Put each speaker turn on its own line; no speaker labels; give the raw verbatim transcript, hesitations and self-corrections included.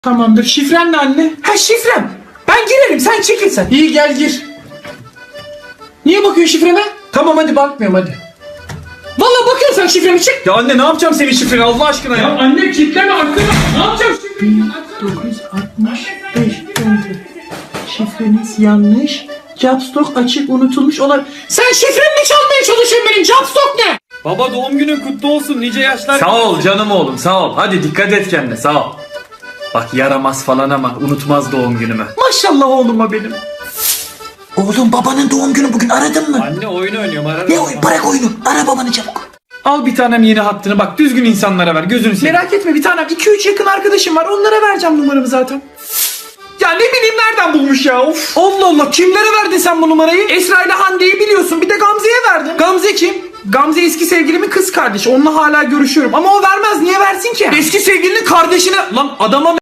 Tamamdır. Şifren ne anne? Ha şifrem. Ben girerim, sen çekil sen. İyi, gel gir. Niye bakıyorsun şifreme? Tamam hadi, bakmıyorum hadi. Vallahi bakıyorsun sen şifremi, çık. Ya anne ne yapacağım senin şifreni Allah aşkına ya. Ya anne kilitleme arkada. Ne yapacağım şifreni? dokuz yüz altmış beş Şifreniz yanlış. Capstock açık, unutulmuş olabilir. Sen şifremi çalmaya çalışıyorsun benim. Capstock ne?
Baba doğum günün kutlu olsun, nice yaşlar.
Sağ ol canım oğlum, sağ ol. Hadi dikkat et kendine, sağ ol. Bak yaramaz falan ama unutmaz doğum günümü.
Maşallah oğluma benim.
Oğlum babanın doğum günü bugün, aradın mı?
Anne oyun oynuyorum, ararım.
Ne oyun? Bırak oyunu. Ara babanı çabuk.
Al bir tanem yeni hattını, bak düzgün insanlara ver, gözünü seveyim. Merak etme bir tanem, iki üç yakın arkadaşım var, onlara vereceğim numaramı zaten. Ya ne bileyim nereden bulmuş ya, of. Allah Allah, kimlere verdin sen bu numarayı? Esra ile Hande'yi biliyorsun, bir de Gamze'ye verdim. Gamze kim? Gamze eski sevgilimin kız kardeşi, onunla hala görüşüyorum ama o vermez, niye versin ki? Eski sevgilinin kardeşine lan adama